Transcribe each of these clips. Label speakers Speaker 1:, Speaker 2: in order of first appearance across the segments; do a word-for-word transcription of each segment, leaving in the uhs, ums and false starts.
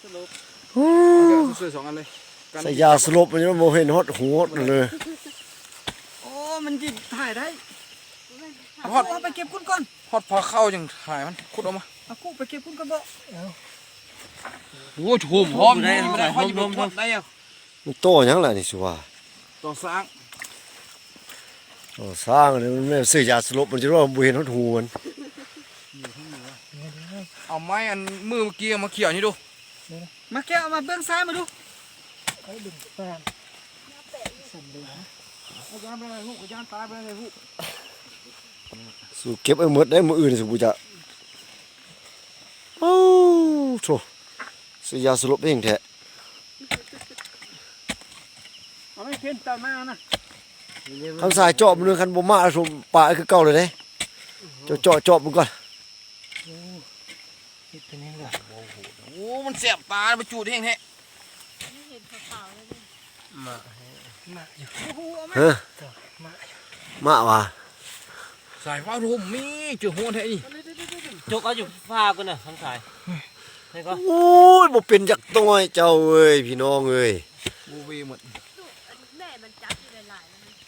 Speaker 1: โอ้สวยสองอันเลยใส่ยาสลบมันยังโมเห็นฮอตหัวเลย
Speaker 2: โอ้มันจิถ่ายได้
Speaker 1: ฮอต
Speaker 2: ไปเก็บกุ้งก่อน
Speaker 1: ฮอตพอเข้าจังถ่ายมันขุดออกมา
Speaker 2: เอากุ้งไปเก็บกุ้งก่อนบ่
Speaker 1: โอ้โหหอมได้ไม่ได้หอมหอมหอมได้ยัง
Speaker 3: มันโตยังไงนี่สิว่า
Speaker 1: ต่อสร้าง
Speaker 3: ต่อสร้างเลยมันไม่ซื้อยาสลบมันจะรู้ว่าบุเห็นฮอตหูมัน
Speaker 1: เอาไม้อันมือเมื่อกี้มาเขี่ยนี่ดู
Speaker 2: มาแก้วมาเบื้องซ้ายมาดูไอ้ดึงแฟนสั่นเลยฮะเอายานไปเลยลูกยานตายไปเลยลูก
Speaker 3: สู้เก็บไอ้หมดได้มืออื่นสิบุจะโอ้โธ่ซื้อยาสลบเองแท้
Speaker 2: เอาไม่เพี้ยนตามมานะ
Speaker 3: คำสายเจาะมันนึงคันบ่มาสมปลาคือเก่าเลยเด้เจาะเจาะเจาะมันก่อน
Speaker 1: โอ้มันเสียบตาไปจูดแห้งแท้
Speaker 2: มามาอยู่
Speaker 3: เฮ้ยมาว่ะ
Speaker 1: สายฟ้าทุ่มมีเจอหัวแท้นี่
Speaker 4: จกเอาอยู่ฟ้ากันน่ะทั้งสาย
Speaker 3: โอ้ยบ่เป็นจักต้อยเจ้าเอ้ยพี่น้องเอ้ย
Speaker 1: บูวีหมด
Speaker 5: แม่มันจับอยู่หลาย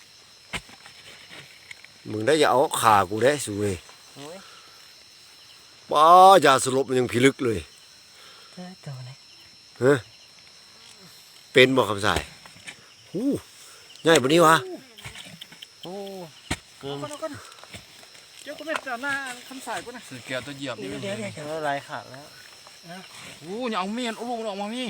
Speaker 3: มึงได้อย่าเอาขากูได้สุเว้ยป้ายาสลบมันยังพิลึกเลยเฮ้ยเป็นบ่คำสายหูง่ายปะนี้วะ
Speaker 4: โอ้เกิน
Speaker 2: เจ้าก็ไม่จ่าหน้าคำสายกูนะ
Speaker 1: สือแก้วตัวเหยียบนี่
Speaker 4: เดี๋ยวเดี๋ยวเดี๋ยวลายขาดแล้ว
Speaker 1: โอ้ยเอาเมียนเอาลูกออกมามี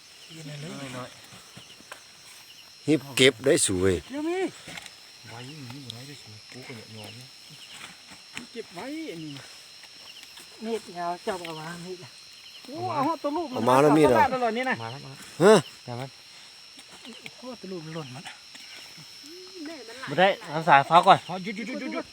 Speaker 3: ฮิบเก็บได้สวย
Speaker 2: เดี๋ยวมี
Speaker 1: ไว้นี่ไว้ได้สวยกูก็เนี่ยยอมเนี่ย
Speaker 2: เก็บไว้นี่มีดยาวจับเอามามีดโอ้เอาตัวลูก
Speaker 3: เอามาแล้วมีดอ่ะ
Speaker 2: ตลอดนี่นะ
Speaker 4: มาแล้วมา
Speaker 3: ฮะ
Speaker 4: แต่มัน
Speaker 2: โอ้ตัวลูกมันหล่นมัน
Speaker 4: ไม่ได้ทั้งสายฟ้าก่อน
Speaker 1: หยุดหยุดหยุดหยุดหยุด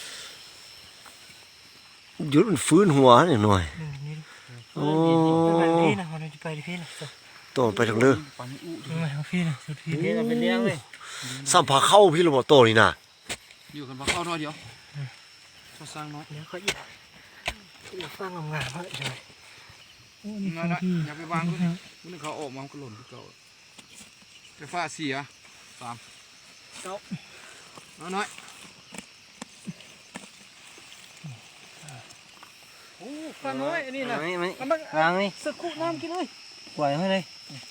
Speaker 3: หยุดมันฟื้นหัวหน่อยโอ้
Speaker 2: พี่นะมันจะไปที่พี่นะ
Speaker 3: ต่อไปทางเรือ
Speaker 2: มาทางพี่นะสุดพี่
Speaker 4: พี่เราไปเลี้ยงเลย
Speaker 3: สัมผัสเข้าพี่เราบอกโตนี่นะ
Speaker 1: อยู่กันมาเข้าน้อยเดียวชอบสร้างน้อย
Speaker 2: เดี๋ยวเขาอีกอยากฟังงามๆเลยใช่
Speaker 1: โอ้นี่นะอย่าไปวางด้วยมันเขาออกมาก็หล่นที่เก่าไฟฟ้าเสียสาม
Speaker 2: เก้า
Speaker 1: น้อย
Speaker 2: โอ้ฟ้าน้อยอันนี้นะ
Speaker 4: ไม่ไม่วางนี่
Speaker 2: สักคู่น้ำกินเลย
Speaker 4: ปล่อยให้เลย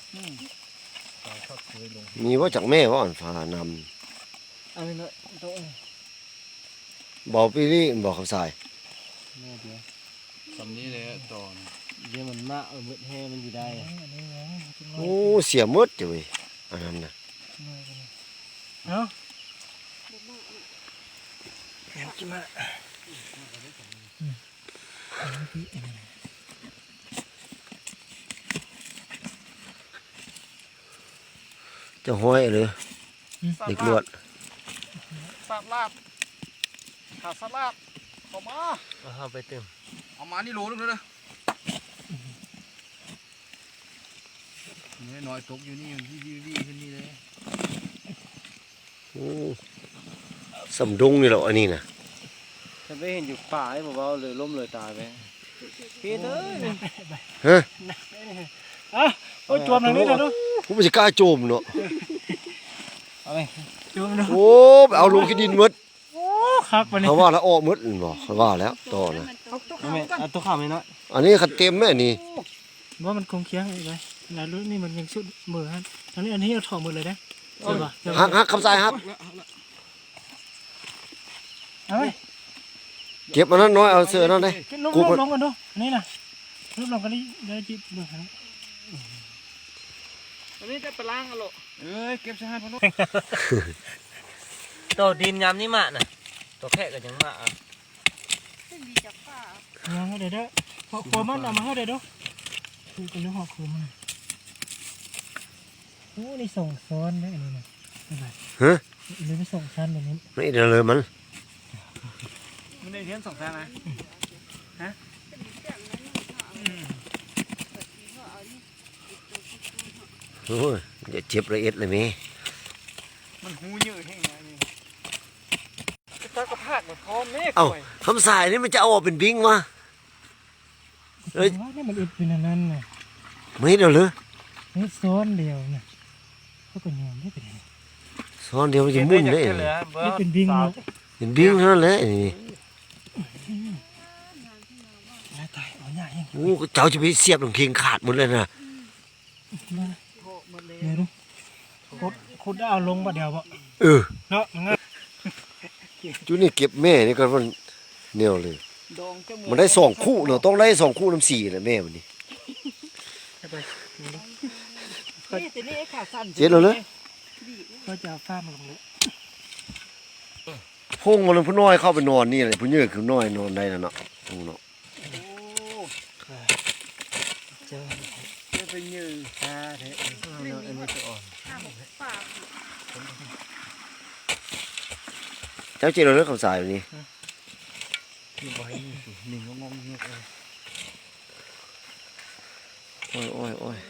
Speaker 3: มีว่าจากแม่ว่าอ่อนฟ้าน
Speaker 2: ำเอาไปเลยโต๊ะ
Speaker 3: บอกพี่นี่บอกคำสาย
Speaker 4: แม่เดียว
Speaker 1: สำนี้เลยต่อ
Speaker 4: เดี๋ยวมันมาเออมืดแห่มันอยู่ได้
Speaker 3: โอ้เสียมืดจ้ะเว้ยอันนั้นนะ
Speaker 2: เนาะเดี๋ยวกินมา
Speaker 3: จะห้อยเลยเด็กลวด
Speaker 1: สับลาบขาสับลาบขอมา
Speaker 4: เอาไปเติม
Speaker 1: เอามานี่โลนึงเลยนะนี่น้อยตกอยู่นี่ที่ดีดีขึ้นนี่เลย
Speaker 3: โอ้สำดงนี่แหละอันนี้นะ
Speaker 4: จะไม่เห็นอยู่ป่าให้บอกว่าเลยล้มเลยตายไปพี่เอ้ย
Speaker 3: ฮะ
Speaker 2: อ่ะโอ้ยจมตรงนี้เลยดู
Speaker 3: ผมไม่ใช่กล้าโจมเนาะ
Speaker 4: เอาไป
Speaker 2: จมดู
Speaker 3: โอ้เอาลงขี้ดินมืด
Speaker 2: โอ้คักวันนี้
Speaker 3: เขาว่าแล้วอ้อมืดบอกเขาว่าแล้วต่อนะ
Speaker 4: เอาตัวข้าวไม่น้อย
Speaker 3: อันนี้ขัดเต็มแม่นี่
Speaker 2: ว่ามันคงเคี้ยงอะไรแล้วรุ่นนี้มันยังชุดมือฮะอันนี้อันนี้เอาถอดมือเลยนะใช่ป่ะ
Speaker 3: ฮักฮักคำสายฮัก
Speaker 2: เฮ้ย
Speaker 3: เก็บมันนั้นน้อยเอาเสือนั่นเลย
Speaker 2: กูลงกันดูนี่นะลงลงกันนี่เดี๋ยวจิบมือฮะอันนี้จะไปล้างกันหรอ
Speaker 1: เอ้ยเก็บใส่ให้พ่อลูก
Speaker 4: ตัวดินยำนี่มาน่ะตัวแค่ก็ยังมาอ่ะ
Speaker 5: ดีจับป้า
Speaker 2: เดี๋ยวเดี๋ยวหอกโคมันเอามาให้เดี๋ยวดูดูกันดูหอกโคมันโอ้นี่ส่งซ้อนได้อันนี้นะ
Speaker 3: ฮะ
Speaker 2: เลยไม่ส่งชั้นแบบนี้
Speaker 3: ไม่เดี๋ยวเลยมัน
Speaker 2: มันได้เทียนส่งชั้นนะฮะ
Speaker 3: โอ้ยจะเจ็บละเอียดเลยมั้ย
Speaker 2: มันหูเยอะแห้งนี่ตากระพากเหมือนพร้อมเมฆ
Speaker 3: เอ้าคำสายนี่มันจะเอาออกเป็นบิ้งวะ
Speaker 2: เฮ้ยนี่มันอึดเป็นนั่นน่ะ
Speaker 3: ไม่เดียวเลย
Speaker 2: นี่ซ้อนเดียวนะเขาเป็นยังไม่เป็นยัง
Speaker 3: ซ้อนเดียวมันจะมุ่นได้
Speaker 2: นี่เป็นบิงเนาะ
Speaker 3: เห็นบิ้งเท่านั้นแหละนี่
Speaker 2: ตายตายเอาใหญ่ยัง
Speaker 3: โอ้เจ้าจะไปเสียบหลังเคียงขาดหมดเลยนะ
Speaker 2: มาเดี๋ยวดูคุดคุดเอาลงบ่เดียวบ่
Speaker 3: เออ
Speaker 2: เนาะงั้น
Speaker 3: จุนี่เก็บแม่นี่ก็มันเหนียวเลย
Speaker 2: ดองเจ้ามือ
Speaker 3: มันได้สองคู่เนาะต้องได้สองคู่น้ำสี่แหละแม่มันนี่
Speaker 2: นี่แต่นี่ไอ้ขาสั้น
Speaker 3: เจ็ดเลยเลย
Speaker 2: ก็จะเอาฟ้ามาลงเลย
Speaker 3: พุ่งมันผู้น้อยเข้าไปนอนนี่เลยผู้เยอะคือน้อยนอนได้นะเนาะพุ่งเนาะ
Speaker 2: เจอจะไปยืนตาเถอะอันนี้จะอ่อน
Speaker 5: ข้าวป่า
Speaker 3: เจ้าเจ็ดเลยคำสายแบบนี้
Speaker 2: อยู่ไว้หนึ่งก็งงเงียบเลย
Speaker 3: โอ้ยโอ้ยโอ้ย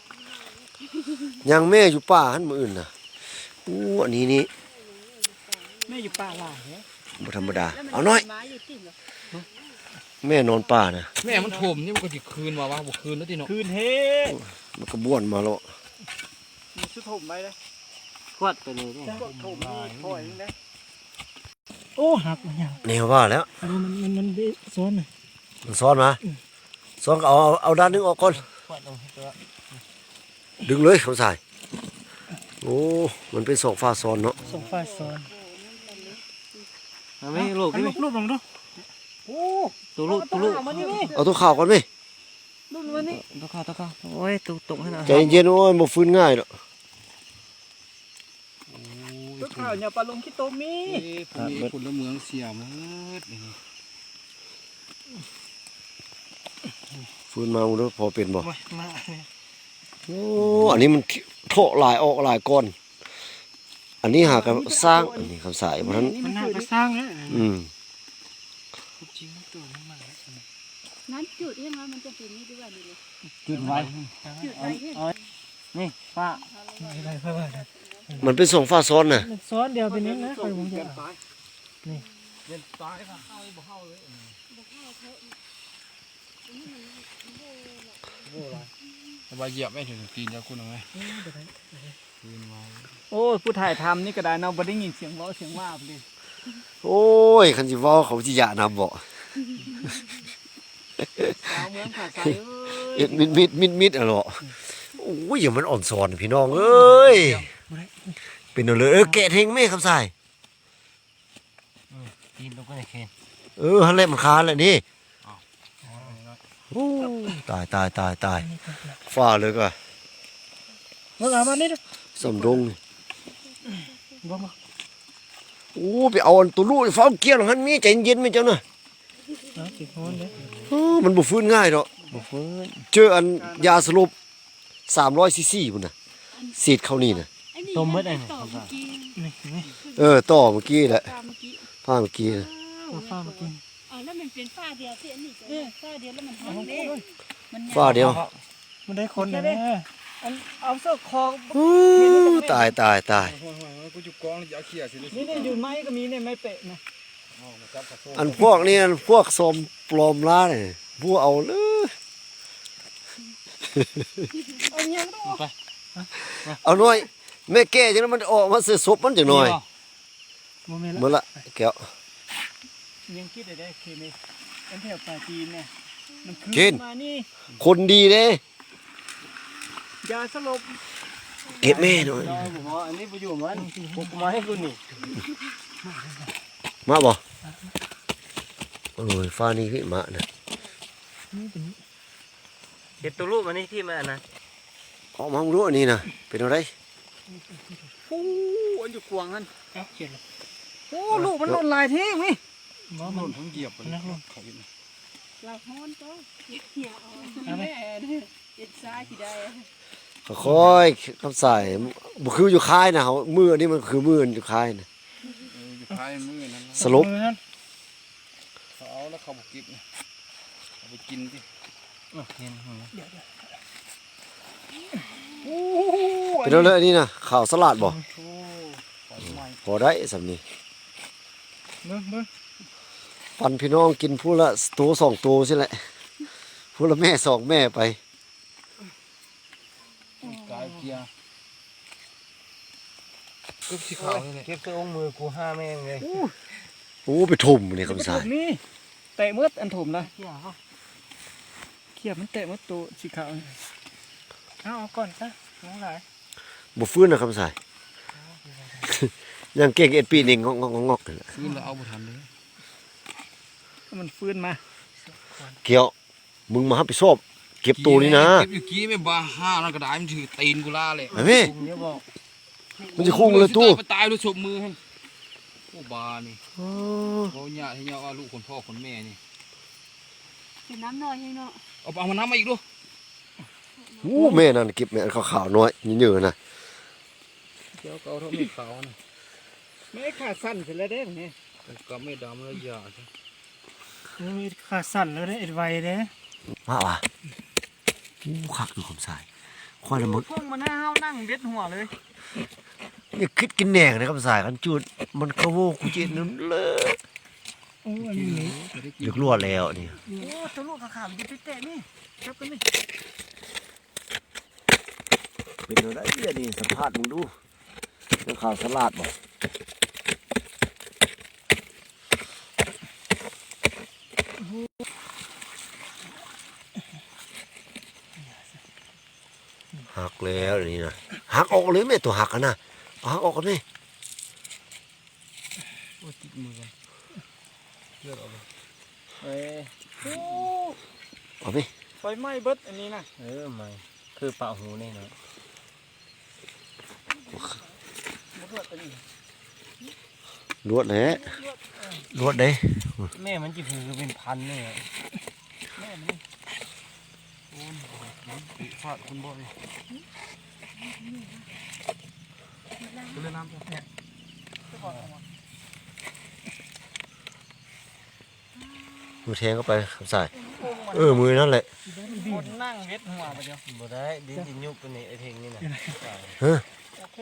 Speaker 3: ยังแม่อยู่ป่าหันมืออื่นน่ะอู้อันนี้นี่
Speaker 2: แม่อยู่ป่าหลายเนี่ย
Speaker 3: บ่ธรรมดาเอาน้อย
Speaker 5: ไม้อยู่ติ่งเหรอ
Speaker 3: แม่นอนป่านะ
Speaker 1: แม่มันถมนี่มันก็สิคืนมาวะบ่คืนแล้วติเนาะ
Speaker 2: คืนเฮ้
Speaker 3: มันก็บ้วนมาแล้ว
Speaker 2: มีชุดถมไหมเลย
Speaker 4: ควัดไปเลยเนี่ย
Speaker 2: ถมนี่ถอยนะโอ้หักมาอย่าง
Speaker 3: แนวว่าแล้ว
Speaker 2: มันมันมันเบซ้อนเลย
Speaker 3: มันซ้อนมาซ้อนก็เอาเอาเอาด้านนึงออกก่อน
Speaker 2: ควัดลงตัว
Speaker 3: ดึงเลยคำสายโอ้มันเป็นสองฟ้าซ้อนเนาะ
Speaker 2: ส่งไฟซ้อน
Speaker 4: เอาไหมลูก
Speaker 2: ให้
Speaker 4: นี่
Speaker 2: ลูกลูกลงดูโอ้
Speaker 4: ตัวลูกตัวลูก
Speaker 2: มันนี่นี่
Speaker 3: เอาตัวข่าวก่อนไหม
Speaker 2: ลูกมันนี่
Speaker 4: ตัวข้าวตัวข้าวโอ้ยตัวตกให้หน่อย
Speaker 3: ใจเย็นๆโอ้ยบ่ฟื้นง่ายเนาะ
Speaker 2: ลูกข่าวเนี่ยปลาลงขี้โตมี
Speaker 1: เอ้พวกนี้คนละเมืองเสียหมดนี่
Speaker 3: ฟื้นมาบ่รู้พอเป็นบ่
Speaker 2: มามาเนี่ย
Speaker 3: โอ้อันนี้มันโถหลายออกหลายก้อนอันนี้หากันสร้างอันนี้คำสายเพราะฉะนั้น
Speaker 2: มันน่าไปสร้างนะ
Speaker 3: อืม
Speaker 2: จริงตัวนี้มันแล้ว
Speaker 5: นั้นจุดยังไงมันจะเป็นนี่ด้วยนี่เลย
Speaker 4: จุดไว้
Speaker 5: จุดไปที่
Speaker 4: นี่ป้า
Speaker 2: ไม่ได้เพื่อว่า
Speaker 3: มันเป็นสองฟ้าซ้อนน่ะ
Speaker 2: ซ้อนเดียวเป็นนี้นะคอยผมจะ
Speaker 1: เล่นตายค่ะเฮาบ่เฮาเลยสบายเหยียบไม่ถึงตีนจะคุณเอาไหมคืนมา
Speaker 2: โอ้ผู้ถ่ายทำนี่ก็ได้เนาะบ่ได้ยินเสียงเว้าเสียงว่าเลย
Speaker 3: โอ้ยคันสิเว้าเขาสิยะนำบ่
Speaker 2: สาวเมืองขาใสเอ้
Speaker 3: เอ็
Speaker 2: ย
Speaker 3: ดมิดมิดมิดมิดอะเนาะโอ้ยอย่ามันอ่อนซ้อนพี่น้องเอ้ยเป็นเอาเลยเออแกะเทงแม่คำสาย
Speaker 4: กินลงไปในเคน
Speaker 3: เออฮันแหละมันคานแหละนี่โอ้ตายตายตายตายฟ้าเลยก็
Speaker 2: มาเอามานี่ดู
Speaker 3: สำดงนี่
Speaker 2: บ่มา
Speaker 3: โอ้ไปเอาอันตัวลูกฟ้าเกี้ยวหันมีใจเย็นไหมเจ้าน่ะ
Speaker 2: เอาสิฮ้อนเด้
Speaker 3: เออมันบ่ฟื้นง่ายดอก
Speaker 4: บุฟื้น
Speaker 3: เจออันยาสลบสามร้อยซีซีพุ่นน่ะสีดเข้านี่น่ะ
Speaker 4: ต้มเมื่อไหร่
Speaker 5: ต่อเมื่อกี้
Speaker 2: นี่นี่
Speaker 3: เออต่อเมื่อกี้แหละ
Speaker 5: ตามเมื่อกี้
Speaker 3: ผ้าเมื่อกี้น่ะ
Speaker 2: เอาฟ้ามากิน
Speaker 5: อ๋อแล้วมันเป็นฝ้าเดียวที่อันนี้จะฝ้าเดียวแล้วมันห้องเด้มัน
Speaker 3: ฟ้าเดียว
Speaker 2: มันได้คนเด้อันเอาเสื้อคอ
Speaker 3: อู้ตายตายตาย
Speaker 1: โอ้ยกูจุกกองอย่าเขี่ยสิ
Speaker 2: นี่เนี่ยอยู่ไม้ก็มีเนี่ยไม้เปะนะ
Speaker 3: อันพวกนี้อันพวกสมปลอมล้าเนี่ยผู้เอาเลย
Speaker 2: เอายังต้อง
Speaker 4: ไป
Speaker 3: เอาหน่อยแม่แก่จังนั้นมันออกมาเสียศพมันจังหน่อย
Speaker 2: โมเมนต์
Speaker 3: หมด
Speaker 2: ละ
Speaker 3: ละแก้ว
Speaker 2: ยังคิดได้ได้เคมีอันแถวปลาจีนเนี่ยมันคื
Speaker 3: กิน
Speaker 2: มานี่
Speaker 3: คนดีเด้
Speaker 2: ยาสลบ
Speaker 3: เก็บแม่หน่อย
Speaker 4: น้อยผมว่าอันนี้ไปอยู่มันผมมาให้คุณนี่
Speaker 3: มาบ่โอ้ยฟ้านี่ขึ้นมาน่ะ
Speaker 2: นี่เป็น
Speaker 4: เห็ดตัวลูกมันนี่ที่มันนะ
Speaker 3: ออกมารู้อันนี้น่ะเป็นอะไร
Speaker 2: โอ้อันอยู่กวางนั่นเอาเขียนโอ้ลูกมันหล่นลายทิ้งมิ
Speaker 1: หล่นทั้งเหยียบเลยเขาเห็น
Speaker 5: เราห้อนก็เหี่ยวแม่เนี่ยเอ็ดซ้ายที่ได้
Speaker 3: ค่อยๆคำใส่บ่คืออยู่ค่ายนะเฮามืออันนี้มันคือมืออยู่ค่ายน่ะ
Speaker 1: อยู่ท้ายมือนั้น
Speaker 3: สลบ
Speaker 1: เขาเอาแล้วเขาบอกกิบนะเอาไปกินสิ
Speaker 4: เห็นหัว
Speaker 2: โอ้
Speaker 3: เป็นอะไรอันนี้น่ะข้าวสลัดบ่พอได้สำนี้
Speaker 2: เบิ่งเบิ่ง
Speaker 3: ปันพี่น้องกินผู้ละตัวสองตัวใช่แหละผู้ละแม่สองแม่ไป
Speaker 1: กายเกียร์ก็สีขาวนี่แหละ
Speaker 4: เก็บตัวองค์มือกูห้าแม่งเลย
Speaker 3: โอ้ไปทุ่มนี่คำสาย
Speaker 2: นี่เตะมืดอันถมนะเขี่ยเขาเขี่ยมันเตะมืดตัวสีขาวเอาเอาก่อนซะน้องหลาย
Speaker 3: บ่ฟื้นนะคำสาย ยังเก่งเอ็ดปีนี่งอกงอกงอกนั่นแหละ
Speaker 1: ฟื้นแล้วเอาบ่ทันเลย
Speaker 2: มันฟื้นมา
Speaker 3: เกี่ยวมึงมาหาไปสอบเก็บตัวนี่นะ
Speaker 1: เก็บอยู่กี้ไม่บ้าห้านั่นก็ได้มันถือตีนกูล่าเลย
Speaker 3: ไอ้แม่
Speaker 4: เดี๋ยวบอก
Speaker 3: มันจะคุ้งเลยตู้
Speaker 1: ไปตายด้วยศพมือให้โอ้บานี่
Speaker 3: อ๋อ
Speaker 1: เขาญาติให้ญาติว่าลูกคนพ่อคนแม่นี่
Speaker 5: เห็นน้ำหน่อยให้เนาะ
Speaker 1: เอาเอามาน้ำมาอีกดู
Speaker 3: โอ้แม่นั่นเก็บแม่นขาวๆน้อยเยอะๆนะ
Speaker 1: เดี๋ยวก็เอาเท่าไม่ขาวนะ
Speaker 2: ไม่ขาสั้นเสร็จแล้วเด้เนี่ย
Speaker 1: ก็ไม่ดำแล้วยาใช่
Speaker 2: มีขาสั้นแล้วเด้เอ็ดไวเด้
Speaker 3: ว่าว่ะโอ้คักอยู่คำสายควายละมึก
Speaker 2: พวกมันหน้าเฮานั่งเด็ดหัวเลย
Speaker 3: นี่คิดกินแหนงนะคำสายกันจุดมันกระโวกูเจนนั่นเลย
Speaker 2: โอ้อันนี้
Speaker 3: เดือดรั่วแล้วนี่
Speaker 2: โอ้ตัวลูกขาขามจะไปเตะนี่จับกันนี่
Speaker 3: เป็นอะไรเนี่ยนี่สัมภาษณ์มึงดูเรื่องข่าวสลัดบ่หักแล้วนี่นะหักออกเลยแม่ตัวหักกันนะเอาหักออกกันนี่
Speaker 1: โอ้ติดมือกันเลือดออกเลย
Speaker 4: เอ้ย
Speaker 2: โอ้
Speaker 3: เอาไป
Speaker 2: ไฟไหม้เบิดอันนี้นะ
Speaker 4: เออไม่คือปะหูนี่เนาะ
Speaker 3: ลวดแหละลวดเด้
Speaker 4: แม่มันจีพือเป็นพันเนี่ย
Speaker 1: ฟาดคุณบ่อยเล่นน้ำเนี่ย
Speaker 3: มือแทงเข้าไปคำสายเออมือนั่นแหละ
Speaker 2: คนนั่งเด็ดหัวไปเดียว
Speaker 4: บ่ได้ดินจิยุบตัวนี้ไอ้เพลงนี่นะ
Speaker 3: เฮ้ย
Speaker 2: โอเค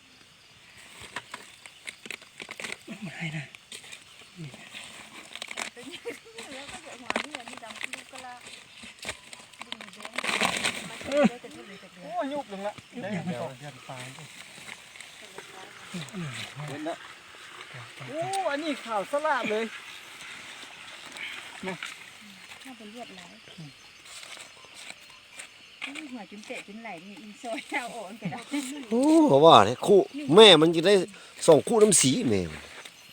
Speaker 2: โอ้ยุบลงละเดี๋ยวมันตกยันตายโอ้อันนี้ข่าวสลาดเลย
Speaker 5: ถ้าเป็นเลือดไหลหัวจุนเตะจุนไหลนี่อินซอยเอาอ่อนไปได้
Speaker 3: โอ้เขาว่าเนี่ยคู่แม่มันจะได้สองคู่น้ำสีแม่มัน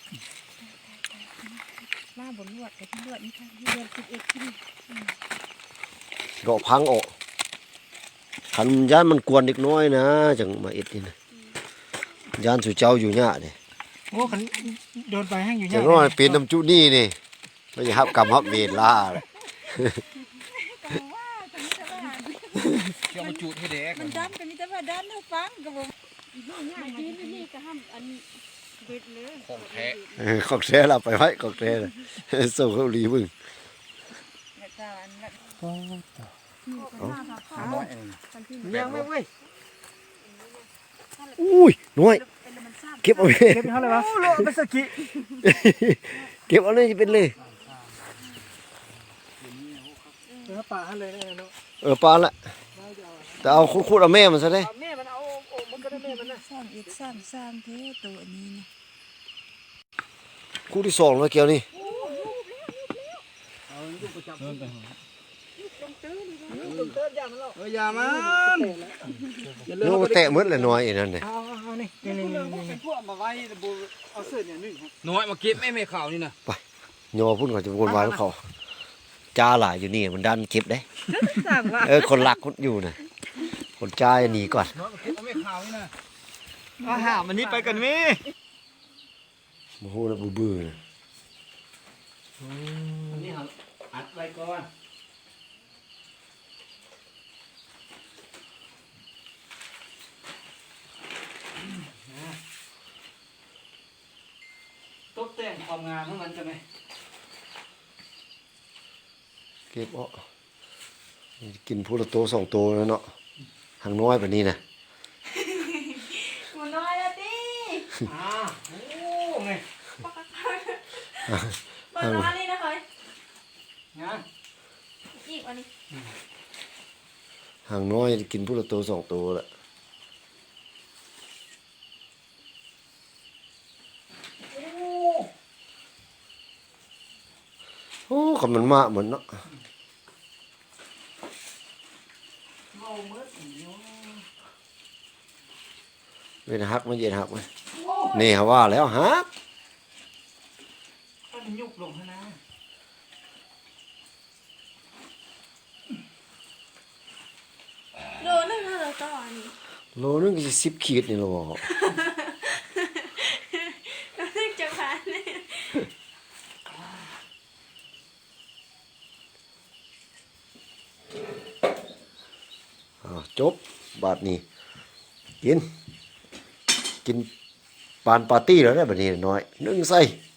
Speaker 5: ว่าบนลวดกับที่ลวดนี่ค่ะเดือนสิบเอ็ดที่
Speaker 3: ดอกพังออกขันย่านมันกวนเด็กน้อยนะจังมาเอ็ดนี่นะย่านสู่เจ้าอยู่เนี่ยนี่
Speaker 2: โอ้ขันโดนไปแห้งอยู่
Speaker 3: จั
Speaker 2: เนี่
Speaker 3: งน้อยเป็นน้ำจุนี่นี่ไม่ใช่ฮับกรรมฮับเวรล่าเลย
Speaker 1: เกี่ยวมาจูดให้เด็ก
Speaker 5: มันดันกันนี่แต่ว่าดันให้ฟังกับผมง่ายดีนี่ก็ห้ามอันเบ็ดเลย
Speaker 1: ของแท้
Speaker 3: เออของแท้เราไปไว้ของแท้เลยส่งเขาหลีมึง
Speaker 5: แล้วก็อันนั้น
Speaker 2: โอ้
Speaker 1: น้อยเอง
Speaker 2: ยังไม่เว้ย
Speaker 3: อุ้ยน้อยเก็บเอาเลย
Speaker 2: เก็บเท่าไหร่วะโอ้โหเป็นสกิ
Speaker 3: เก็บเอาเลยจะเป็นเลย
Speaker 2: เนื้อปลาให้เลยนะเนาะ
Speaker 3: เออปานละแต่เอาคุดๆเอาแม่มันซะได้
Speaker 2: แม่มันเอาโอ้มันก็ได้แม่มันนะ
Speaker 5: สร้างอีกสร้างสร้างเท่ตัวนี้นะ
Speaker 3: คู่ที่สองแล้วเกี่ยวนี่
Speaker 2: ตุ่มเติร์ดยามันหรอก
Speaker 1: เอออย่ามัน
Speaker 3: โน้แตะมืดเลยน้อยอีนั่นเนี่ย
Speaker 2: เอาเอานี่นี่นี่นี่เป็นพวกมาไว้บูเอาเสื้อเนี่ยนึ่ง
Speaker 1: น้อยมาเก็บแม่แม่ขาวนี่นะ
Speaker 3: โยพุ่นก่อนจะวนวายของเขาจ้าหลายอยู่นี่มันดันเก็บได้
Speaker 5: สร้างว่า
Speaker 3: เออคนหลักคนอยู่นะคนจ้าหนีก่อน
Speaker 1: น้อยมาเก็บแม่ขาวนี่นะ
Speaker 2: เอาหามันนี้ไปกันมิ
Speaker 3: โอ้โหแล้วบื้อๆนะ
Speaker 4: นี่ครับอัดไว้ก่อน
Speaker 2: ตกแต่งความงามของมันจะไหม
Speaker 3: เก็บเอากินพูละโตสองโตแล้วเนาะหางน้อยแบบนี้นะ
Speaker 5: หัวน้อยละดิ
Speaker 2: อ่าโอ้ไง
Speaker 5: เปิดร้านนี่นะเฮ้ย
Speaker 2: งาน
Speaker 5: อีกอันนี้
Speaker 3: หางน้อยกินพูละโตสองโตแล้ว
Speaker 5: เ
Speaker 3: คำมันมาเหมือนเนาะ
Speaker 2: เมาเมื่อสีเนาะ
Speaker 3: เป็นฮักไม่เย็นฮักไหมนี่เขาว่าแล้วฮัก
Speaker 2: มันยุบลงนะ
Speaker 5: โลนึงเท่าไหร่ต่ออันนี้
Speaker 3: โลนึงก็สิบขีดนี่โล
Speaker 5: โลนึงจะผ่านเนี่ย
Speaker 3: อ้าวจบบาทนี้กิน กินปานปาร์ตี้แล้วได้บัดนี้น้อยนึ่งใส่